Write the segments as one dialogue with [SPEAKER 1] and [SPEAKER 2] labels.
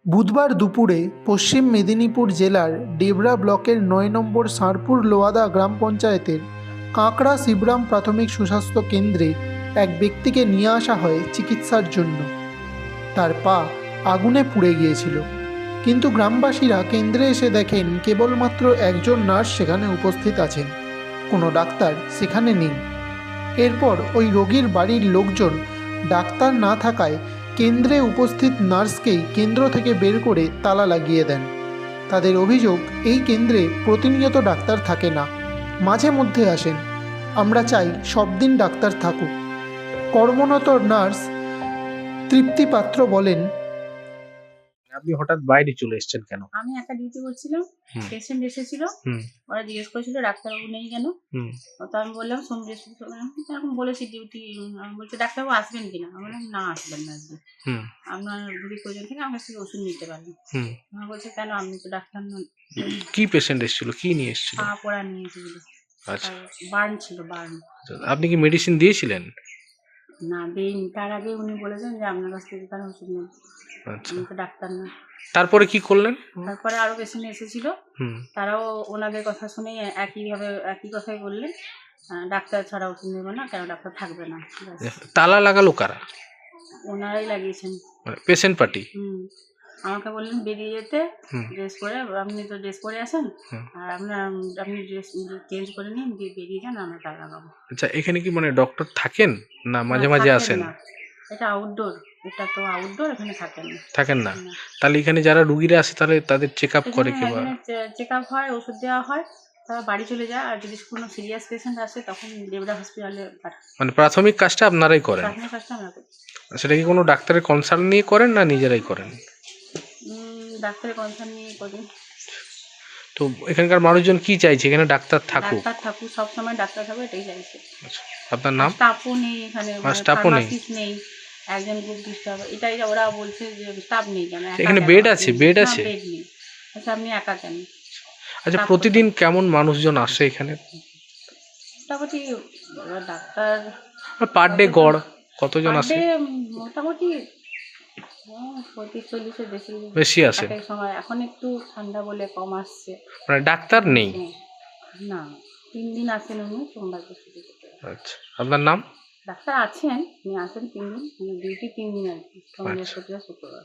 [SPEAKER 1] বুধবার দুপুরে পশ্চিম মেদিনীপুর জেলার ডেবরা ব্লকের ৯ নম্বর ষাঁড়পুর লোয়াদা গ্রাম পঞ্চায়েতের কাঁকড়া শিবরাম প্রাথমিক সুস্বাস্থ্য কেন্দ্রে এক ব্যক্তিকে নিয়ে আসা হয় চিকিৎসার জন্য। তার পা আগুনে পুড়ে গিয়েছিল, কিন্তু গ্রামবাসীরা কেন্দ্রে এসে দেখেন কেবলমাত্র একজন নার্স সেখানে উপস্থিত আছেন, কোনো ডাক্তার সেখানে নেই। এরপর ওই রোগীর বাড়ির লোকজন ডাক্তার না থাকায় কেন্দ্রে উপস্থিত নার্সকেই কেন্দ্র থেকে বের করে তালা লাগিয়ে দেন। তাদের অভিযোগ, এই কেন্দ্রে প্রতিনিয়ত ডাক্তার থাকে না, মাঝে মধ্যে আসেন। আমরা চাই সব দিন ডাক্তার থাকুক। কর্মরত নার্স তৃপ্তি পাত্র বলেন,
[SPEAKER 2] আপনি হঠাৎ বাইরে চলে এসেছেন কেন?
[SPEAKER 3] আমি একটা ডিউটি করছিলাম, পেশেন্ট এসেছিল, ওরা জিজ্ঞেস করেছিল ডাক্তারবাবু নেই কেন। তো আমি বললাম সোম বৃহস্পতিবার এরকম বলেছি ডিউটি। বলছে ডাক্তারবাবু আসবেন কিনা। আমি বললাম না, আসবেন না, আজকে আপনার যদি প্রয়োজন থাকে আমার কাছ থেকে ওষুধ নিতে পারেন। আমার বলছে কেন, আপনি তো ডাক্তার নন।
[SPEAKER 2] কি পেশেন্ট এসেছিল, কি নিয়ে এসেছিল?
[SPEAKER 3] পা পোড়া নিয়ে এসেছিল।
[SPEAKER 2] আচ্ছা,
[SPEAKER 3] বার্ন ছিল, বার্ন।
[SPEAKER 2] আপনি কি মেডিসিন দিয়েছিলেন?
[SPEAKER 3] না দেয়নি, তার আগে উনি বলেছেন যে আপনার কাছ থেকে কেন ওষুধ নেন।
[SPEAKER 2] আচ্ছা,
[SPEAKER 3] আমি তো ডাক্তার না।
[SPEAKER 2] তারপরে কি করলেন?
[SPEAKER 3] তারপরে আরো পেশেন্ট এসেছিল, তারাও ওনাদের কথা শুনে একই কথাই বললেন, ডাক্তার ছাড়া ওষুধ নেবে না, কেন ডাক্তার থাকবে না।
[SPEAKER 2] তালা লাগালো কারা?
[SPEAKER 3] ওনারাই লাগিয়েছেন,
[SPEAKER 2] পেশেন্ট পার্টি।
[SPEAKER 3] আমাকে বললেন বেরিয়ে যেতে, ড্রেস পরে, আপনি তো ড্রেস পরে আসেন, আর আপনি ড্রেস চেঞ্জ করে নিন, দিয়ে বেরিয়ে যান, আমরা তালা লাগাবো।
[SPEAKER 2] আচ্ছা, এখানে কি মানে ডক্টর থাকেন না মাঝে মাঝে আসেন?
[SPEAKER 3] এটা আউটডোর, এটা তো আউটডোর, এখানে থাকেন না।
[SPEAKER 2] তাহলে এখানে যারা রুগীরা আসে তাহলে তাদের চেক আপ করে কি?
[SPEAKER 3] চেক আপ হয়, ওষুধ দেওয়া হয়, তারা বাড়ি চলে যায়। আর যদি কোনো সিরিয়াস পেশেন্ট আসে তখন ডেবরা হসপিটালে পাঠায়।
[SPEAKER 2] মানে প্রাথমিক কাজটা আপনারাই করেন?
[SPEAKER 3] প্রাথমিক কাজটা আমরা করি।
[SPEAKER 2] সেটা কি কোনো ডাক্তারের কনসাল্ট নিয়ে করেন না নিজেরাই করেন?
[SPEAKER 3] ডাক্তারের কনসাল্ট নিয়ে করি।
[SPEAKER 2] তো এখানকার মানুষজন কি চাইছে? এখানে ডাক্তার থাকুক,
[SPEAKER 3] সবসময় ডাক্তার থাকুক, এটাই চাইছে।
[SPEAKER 2] আচ্ছা, আপনার নাম?
[SPEAKER 3] স্টাফও নেই এখানে, ফার্মাসিস্ট নেই, একজন গ্রুপ ডিস্টার্ব, এটাই ওরা বলছে যে স্টাফ নেই কেন।
[SPEAKER 2] এখানে বেড আছে? বেড আছে?
[SPEAKER 3] বেড নেই। আচ্ছা, আপনি একা কেন?
[SPEAKER 2] আচ্ছা, প্রতিদিন কেমন মানুষজন আসে এখানে?
[SPEAKER 3] মোটামুটি ডাক্তার
[SPEAKER 2] পার ডে গড় কতজন আসে?
[SPEAKER 3] মোটামুটি 35-40-এর
[SPEAKER 2] বেশি আসে
[SPEAKER 3] সময়। এখন একটু ঠান্ডা বলে কম আসছে।
[SPEAKER 2] মানে ডাক্তার নেই?
[SPEAKER 3] না, 3 দিন আসেন উনি, সোমবার বৃহস্পতিবার।
[SPEAKER 2] আচ্ছা, আপনার নাম?
[SPEAKER 3] ডাক্তার আছেন, উনি আসেন 3 দিন, ডিউটি 3 দিন আর কি, সোমবার বৃহস্পতিবার শুক্রবার।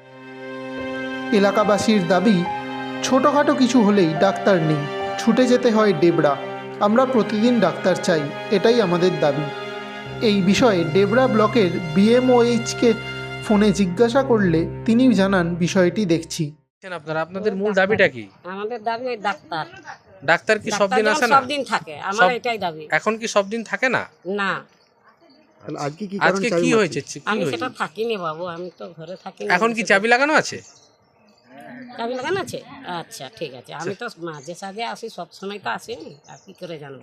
[SPEAKER 1] এলাকাবাসীর দাবি, ছোটোখাটো কিছু হলেই ডাক্তার নেই, ছুটে যেতে হয় ডেবরা। আমরা প্রতিদিন ডাক্তার চাই, এটাই আমাদের দাবি। এই বিষয়ে ডেবরা ব্লকের বিএমওএইচকে ফোনে জিজ্ঞাসা করলে তিনি জানান, বিষয়টি দেখছি।
[SPEAKER 2] আপনাদের মূল দাবিটা কি?
[SPEAKER 4] আমাদের দাবি ওই ডাক্তার।
[SPEAKER 2] ডাক্তার কি সব দিন আসে না?
[SPEAKER 4] সব দিন থাকে, আমার এটাই দাবি।
[SPEAKER 2] এখন কি সব দিন থাকে না?
[SPEAKER 4] না।
[SPEAKER 2] আজকে কি হয়েছে?
[SPEAKER 4] আমি সেটা থাকিনি বাবু, আমি তো ঘরে থাকি।
[SPEAKER 2] এখন কি চাবি লাগানো আছে?
[SPEAKER 4] চাবি লাগানো আছে? আচ্ছা, ঠিক আছে। আমি তো মাঝে সাঝে আসি, সব সময় তো আসিনি, আর কি করে জানবো?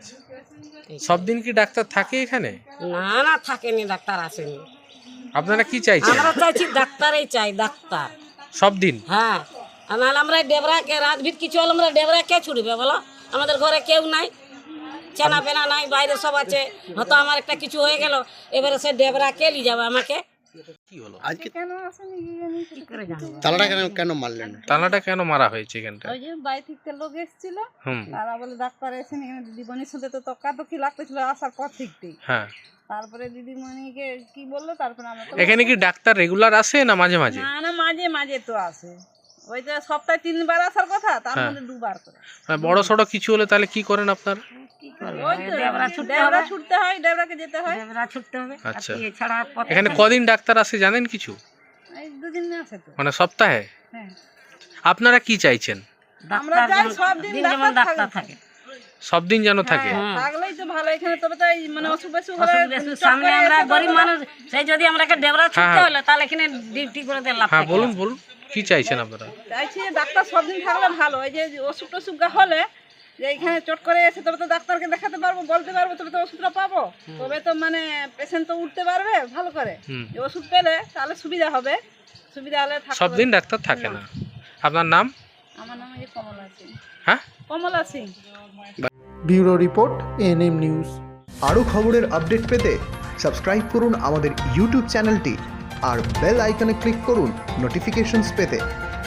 [SPEAKER 2] সব দিন কি ডাক্তার থাকে এখানে?
[SPEAKER 4] না না, থাকেনি, ডাক্তার আসেনি।
[SPEAKER 2] আপনারা কি চাইছেন?
[SPEAKER 4] আমরা চাইছি ডাক্তারই চাই, ডাক্তার
[SPEAKER 2] সব দিন।
[SPEAKER 4] হ্যাঁ, নাহলে আমরা ডেবরাকে রাতভিত কিছু হলে আমরা ডেবরা কে ছুটবে বলো? আমাদের ঘরে কেউ নাই, চেনা পেনা নাই, বাইরে সব আছে। হয়তো আমার একটা কিছু হয়ে গেল, এবারে সে ডেবরা কে নিয়ে যাবে আমাকে?
[SPEAKER 2] কি হলো
[SPEAKER 5] আজকে?
[SPEAKER 4] কি করে জানবো?
[SPEAKER 5] তালাটা কেন মারলেন?
[SPEAKER 2] তালাটা কেন মারা হয়েছে এখানটা?
[SPEAKER 6] ওই যে বাইরে থেকে লোক এসেছিল, তারা বলে ডাক্তার এসে এখানে দিদিমণির সাথে তো তর্কাতর্কি লাগতেছিল আসার পর থেকেই।
[SPEAKER 2] হ্যাঁ,
[SPEAKER 6] তারপরে দিদিমণিকে কি বললো, তারপরে আমরা তো
[SPEAKER 2] এখানে কি ডাক্তার রেগুলার আসে না মাঝে মাঝে?
[SPEAKER 6] না না, মাঝে মাঝে তো আসে। ওই যে সপ্তাহে 3 বার আসার কথা, তার মধ্যে 2 বার করে।
[SPEAKER 2] বড় সড়ো কিছু হলে তাহলে কি করেন আপনারা?
[SPEAKER 6] ওই তো ডেবরা ছুটতে হয়, ডেবরাকে যেতে হয়।
[SPEAKER 4] ডেবরা ছুটতে হবে।
[SPEAKER 2] আচ্ছা,
[SPEAKER 4] এছাড়া
[SPEAKER 2] এখানে কদিন ডাক্তার আসে জানেন কিছু?
[SPEAKER 6] এই 2 দিন আসে তো।
[SPEAKER 2] মানে সপ্তাহে?
[SPEAKER 6] হ্যাঁ।
[SPEAKER 2] আপনারা কি চাইছেন?
[SPEAKER 6] আমরা চাই সব দিন ডাক্তার থাকে,
[SPEAKER 2] সব দিন যেন থাকে।
[SPEAKER 6] থাকলেই তো ভালো এখানে। তবে তো এই মানে অসুখ
[SPEAKER 4] সামনে আমরা গরিব মানুষ, সেই যদি আমরা ডেবরা ছুটতে হলে তাহলে এখানে ডিউটি করে দিয়ে লাভ।
[SPEAKER 2] হ্যাঁ, বলুন কি চাইছেন আপনারা?
[SPEAKER 6] চাইছি ডাক্তার সব দিন থাকলে ভালো। এই যে অসুখ টসুখ হলে যে এখানে চট করে এসে তবে তো ডাক্তারকে দেখাতে পারবো, বলতে পারবো, তবে তো ওষুধটা পাবো, তবে তো মানে পেশেন্ট তো উঠতে পারবে ভালো করে। ওষুধ পেলে তাহলে সুবিধা হবে, সুবিধা হলে
[SPEAKER 2] সব দিন ডাক্তার থাকে না। আপনার নাম?
[SPEAKER 6] আমার নাম কমলা সিং।
[SPEAKER 2] হ্যাঁ,
[SPEAKER 6] Kamala Singh.
[SPEAKER 1] Bureau report, ANM news.
[SPEAKER 7] আরও খবরের আপডেট পেতে সাবস্ক্রাইব করুন আমাদের ইউটিউব চ্যানেলটি
[SPEAKER 5] আর বেল আইকনে ক্লিক করুন নোটিফিকেশনস পেতে।